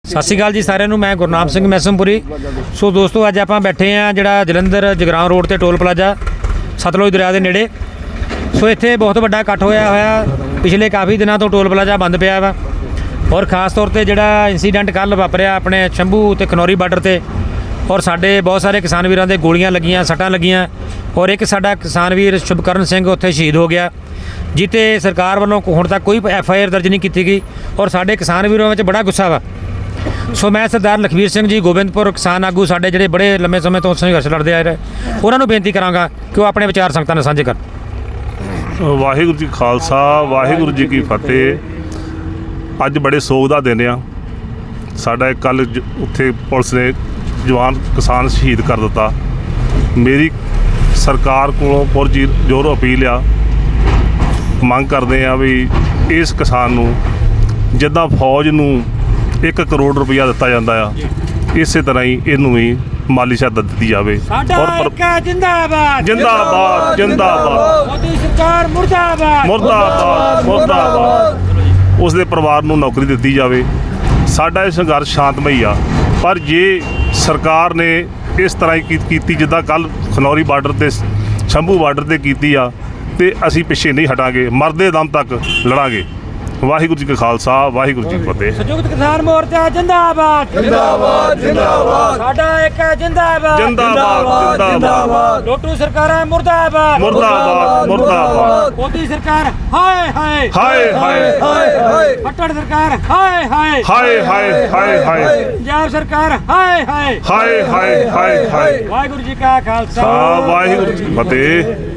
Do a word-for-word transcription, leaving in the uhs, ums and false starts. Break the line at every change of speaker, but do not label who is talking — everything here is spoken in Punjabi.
ਸਤਿ ਸ਼੍ਰੀ ਅਕਾਲ ਜੀ ਸਾਰਿਆਂ ਨੂੰ। ਮੈਂ ਗੁਰਨਾਮ ਸਿੰਘ ਮੈਸਮਪੁਰੀ। ਸੋ ਦੋਸਤੋ ਅੱਜ ਆਪਾਂ ਬੈਠੇ ਹਾਂ ਜਿਹੜਾ ਜਲੰਧਰ ਜਗਰਾਉਂ ਰੋਡ ਤੇ ਟੋਲ ਪਲਾਜ਼ਾ ਸਤਲੁਜ ਦਰਿਆ ਦੇ ਨੇੜੇ। ਸੋ ਇੱਥੇ ਬਹੁਤ ਵੱਡਾ ਇਕੱਠ ਹੋਇਆ ਹੋਇਆ। ਪਿਛਲੇ ਕਾਫੀ ਦਿਨਾਂ ਤੋਂ ਟੋਲ ਪਲਾਜ਼ਾ ਬੰਦ ਪਿਆ ਵਾ ਔਰ ਖਾਸ ਤੌਰ ਤੇ ਜਿਹੜਾ ਇੰਸੀਡੈਂਟ ਕੱਲ੍ਹ ਵਾਪਰਿਆ ਆਪਣੇ ਸ਼ੰਭੂ ਤੇ ਖਨੌਰੀ ਬਾਰਡਰ ਤੇ ਔਰ ਸਾਡੇ ਬਹੁਤ ਸਾਰੇ ਕਿਸਾਨ ਵੀਰਾਂ ਦੇ ਗੋਲੀਆਂ ਲੱਗੀਆਂ, ਸੱਟਾਂ ਲੱਗੀਆਂ ਔਰ ਇੱਕ ਸਾਡਾ ਕਿਸਾਨ ਵੀਰ ਸ਼ੁਭਕਰਨ ਸਿੰਘ ਉੱਥੇ ਸ਼ਹੀਦ ਹੋ ਗਿਆ, ਜਿੱਤੇ ਸਰਕਾਰ ਵੱਲੋਂ ਹੁਣ ਤੱਕ ਕੋਈ ਐਫ ਆਈ ਆਰ ਦਰਜ ਨਹੀਂ ਕੀਤੀ ਗਈ ਔਰ ਸਾਡੇ ਕਿਸਾਨ ਵੀਰਾਂ ਵਿੱਚ ਬੜਾ ਗੁੱਸਾ ਵਾ। ਸੋ ਮੈਂ ਸਰਦਾਰ ਲਖਵੀਰ ਸਿੰਘ ਜੀ ਗੋਬਿੰਦਪੁਰ ਕਿਸਾਨ ਆਗੂ ਸਾਡੇ ਜਿਹੜੇ ਬੜੇ ਲੰਮੇ ਸਮੇਂ ਤੋਂ ਸੰਘਰਸ਼ ਲੜਦੇ ਆ ਰਹੇ, ਉਹਨਾਂ ਨੂੰ ਬੇਨਤੀ ਕਰਾਂਗਾ ਕਿ ਉਹ ਆਪਣੇ ਵਿਚਾਰ ਸੰਗਤਾਂ ਨਾਲ ਸਾਂਝੇ ਕਰਨ।
ਵਾਹਿਗੁਰੂ ਜੀ ਖਾਲਸਾ, ਵਾਹਿਗੁਰੂ ਜੀ ਕੀ ਫਤਿਹ। ਅੱਜ ਬੜੇ ਸੋਗ ਦਾ ਦਿਨ ਆ ਸਾਡਾ। ਕੱਲ੍ਹ ਉੱਥੇ ਪੁਲਿਸ ਨੇ ਜਵਾਨ ਕਿਸਾਨ ਸ਼ਹੀਦ ਕਰ ਦਿੱਤਾ। ਮੇਰੀ ਸਰਕਾਰ ਕੋਲੋਂ ਪੁਰਜੀ ਜ਼ੋਰ ਅਪੀਲ ਆ, ਮੰਗ ਕਰਦੇ ਆ ਵੀ ਇਸ ਕਿਸਾਨ ਨੂੰ ਜਿੱਦਾਂ ਫੌਜ ਨੂੰ ਇੱਕ ਕਰੋੜ ਰੁਪਈਆ ਦਿੱਤਾ ਜਾਂਦਾ ਆ, ਇਸੇ ਤਰ੍ਹਾਂ ਹੀ ਇਹਨੂੰ ਵੀ ਮਾਲੀ ਸਹਾਇਤਾ ਦਿੱਤੀ ਜਾਵੇ।
ਜਿੰਦਾਬਾਦ
ਜਿੰਦਾਬਾਦ ਜਿੰਦਾਬਾਦ
ਮੋਦੀ ਸਰਕਾਰ ਮੁਰਦਾਬਾਦ
ਮੁਰਦਾਬਾਦ ਮੁਰਦਾਬਾਦ। ਉਸ ਦੇ ਪਰਿਵਾਰ ਨੂੰ ਨੌਕਰੀ ਦਿੱਤੀ ਜਾਵੇ। ਸਾਡਾ ਇਹ ਸੰਘਰਸ਼ ਸ਼ਾਂਤਮਈ ਆ, ਪਰ ਜੇ ਸਰਕਾਰ ਨੇ ਇਸ ਤਰ੍ਹਾਂ ਹੀ ਕੀਤੀ ਜਿੱਦਾਂ ਕੱਲ੍ਹ ਖਨੌਰੀ ਬਾਰਡਰ ਤੇ ਸ਼ੰਭੂ ਬਾਰਡਰ ਤੇ ਕੀਤੀ ਆ, ਤੇ ਅਸੀਂ ਪਿੱਛੇ ਨਹੀਂ ਹਟਾਂਗੇ, ਮਰਦੇ ਦਮ ਤੱਕ ਲੜਾਂਗੇ। ਵਾਹਿਗੁਰੂ ਜੀ ਕਾ ਖਾਲਸਾ, ਵਾਹਿਗੁਰੂ ਜੀ ਕੀ ਫਤਿਹ।
ਸੰਯੁਕਤ ਕਿਸਾਨ ਮੋਰਚਾ ਜਿੰਦਾਬਾਦ
ਜਿੰਦਾਬਾਦ ਜਿੰਦਾਬਾਦ।
ਸਾਡਾ ਇੱਕ ਜਿੰਦਾਬਾਦ
ਜਿੰਦਾਬਾਦ ਜਿੰਦਾਬਾਦ।
ਲੋਟੂ ਸਰਕਾਰਾਂ ਮੁਰਦਾਬਾਦ
ਮੁਰਦਾਬਾਦ ਮੁਰਦਾਬਾਦ।
ਮੋਦੀ ਸਰਕਾਰ ਹਾਏ ਹਾਏ
ਹਾਏ ਹਾਏ
ਹਾਏ ਹਾਏ।
ਫੱਟੜ ਸਰਕਾਰ ਹਾਏ ਹਾਏ
ਹਾਏ ਹਾਏ ਹਾਏ ਹਾਏ।
ਪੰਜਾਬ ਸਰਕਾਰ ਹਾਏ ਹਾਏ
ਹਾਏ ਹਾਏ ਹਾਏ ਹਾਏ।
ਵਾਹਿਗੁਰੂ ਜੀ ਕਾ ਖਾਲਸਾ,
ਵਾਹਿਗੁਰੂ ਜੀ ਕੀ ਫਤਿਹ।